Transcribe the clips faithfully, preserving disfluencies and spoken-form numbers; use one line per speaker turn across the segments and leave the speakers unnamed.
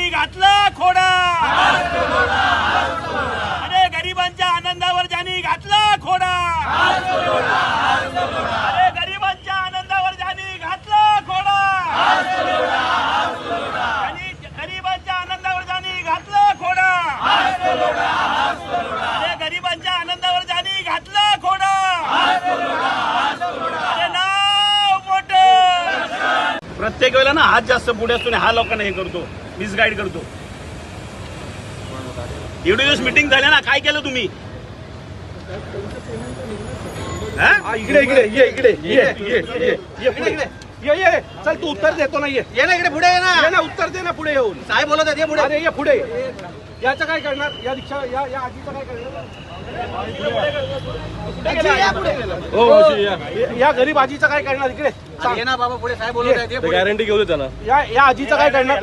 घातलं खोडा, अरे गरिबांच्या आनंदावर ज्यांनी घातलं खोडा, अरे गरिबांच्या आनंदावर ज्यांनी घातलं खोडा, आणि गरिबांच्या आनंदावर ज्यांनी घातलं खोडा, अरे गरिबांच्या आनंदावर ज्यांनी घातलं खोडा, अरे नाव मोठं. प्रत्येक वेळेला ना हात जास्त पुढे असतो, हा लोकांना हे करतो, मिसगाईड करतो. एवढे दिवस मीटिंग झाल्या ना, काय केलं तुम्ही?
इकडे इकडे ये इकडे ये ये ये इकडे ये ये चल तू उत्तर देतो ना, ये ये ना इकडे पुढे ये ना, ये ना उत्तर दे ना पुढे येऊन. काय बोलत आहे पुढे? अरे ये पुढे. याचं काय करणार? या रिक्षा या या आजीचं काय करणार? हो या गरीब आजीचं काय करणार? इकडे
ये ना बाबा पुढे. काय बोलत आहे?
गॅरंटी घेऊ दे त्याला. या या आजीचं काय करणार?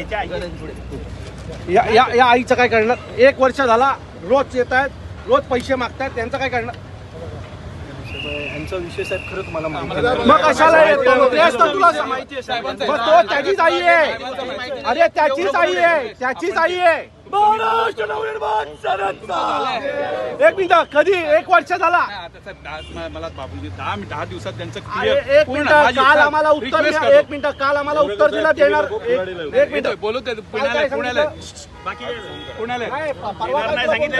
या या या आईचं काय करणार? एक वर्ष झाला रोज येत आहेत, रोज पैसे मागतायत, त्यांचं काय करणार?
यांचा विषय साहेब खरं तुम्हाला
मग कशाला येतो? तेच तर तुला माहिती आहे साहेब. मग तो त्याचीच आई आहे. अरे त्याचीच आई आहे, त्याचीच आई आहे.
महाराष्ट्र नवनिर्माण सेनेचा
एक मिनिट, कधी एक वर्ष झाला?
मला बाबूजी दहा दहा दिवसात त्यांचं
एक मिनिट, काल आम्हाला उत्तर द्या. एक मिनिट, काल आम्हाला उत्तर दिला देणार. एक मिनिट
बोलू ते पुण्याला पुण्याला
बाकी
पुण्याला
नाही सांगितलं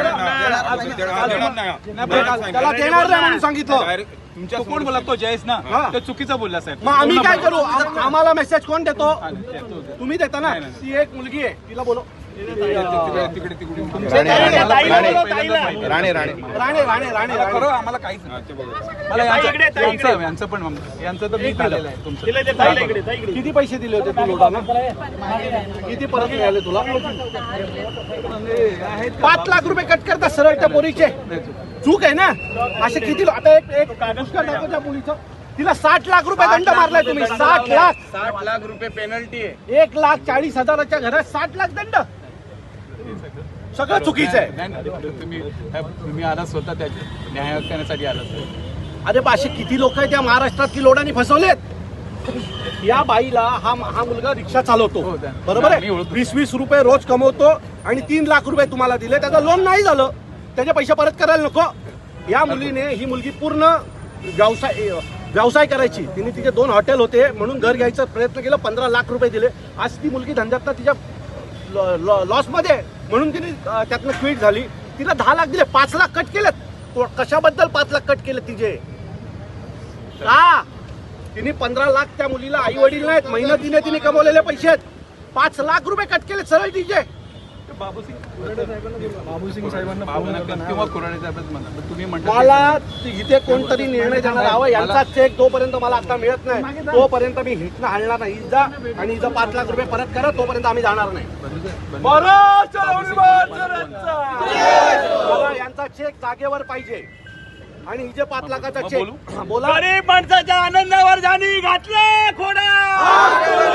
त्याला देणार नाही म्हणून सांगितलं.
तुमच्या कोण बोला? तो जयेश ना, तो चुकीचा बोलला साहेब.
मग आम्ही काय करू? आम्हाला मेसेज कोण देतो? तुम्ही देता ना. ती एक मुलगी आहे, तिला बोलो.
तिकडे तिकडे
राणे राणे राणे राणे राणे
करो. आम्हाला काहीच मला यांचं यांचं पण यांचं तर मी झालेलं आहे. तुमचं
किती पैसे दिले होते तू लोटांना? किती परत मिळाले तुला? पाच लाख रुपये कट करता सरळ त्या पोरीचे. चूक आहे ना. असे किती लो- आता एक एक पुष्कळ दाखव त्या पोरीचं. तिला साठ लाख रुपये दंड मारलाय तुम्ही. साठ लाख
साठ लाख रुपये पेनल्टी आहे.
एक लाख चाळीस हजाराच्या घरात साठ लाख दंड. सगळं चुकीचं आहे.
तुम्ही तुम्ही आला स्वतः त्याची न्याय करण्यासाठी आला.
अरे पाचशे किती लोक आहेत त्या महाराष्ट्रात की लोडांनी फसवलेत. या बाईला हा हा मुलगा रिक्षा चालवतो, बरोबर आहे. वीस वीस रुपये रोज कमवतो आणि तीन लाख रुपये तुम्हाला दिले. त्याचं लोन नाही झालं, त्याचे पैसे परत करायला नको. या मुलीने, ही मुलगी पूर्ण व्यवसाय व्यवसाय करायची. तिने तिचे दोन हॉटेल होते म्हणून घर घ्यायचा प्रयत्न केला, पंधरा लाख रुपये दिले. आज ती मुलगी धंद्यात तिच्या लॉसमध्ये म्हणून तिने त्यातनं क्विट झाली. तिला दहा लाख दिले, पाच लाख कट केलेत. कशाबद्दल पाच लाख कट केले तिचे? का? तिने पंधरा लाख त्या मुलीला आई वडील नाहीत, मेहनतीने तिने कमवलेले पैसे आहेत. पाच लाख रुपये कट केले सरळ तिचे.
बाबूसिंग साहेबांना किंवा कुराडे साहेबच म्हणा. तुम्ही म्हणता
मला इथे कोणतरी निर्णय देणार हवा. यांचा चेक जोपर्यंत मला आता मिळत नाही तोपर्यंत मी हिटनं हलणार नाही. जा आणि हिचं पाच लाख रुपये परत करा, तोपर्यंत आम्ही जाणार नाही. मला यांचा चेक जागेवर पाहिजे आणि हिचे पाच लाखाचा चेक. बोला.
गरीब माणसाच्या आनंदावर ज्यांनी घातलं खोडा,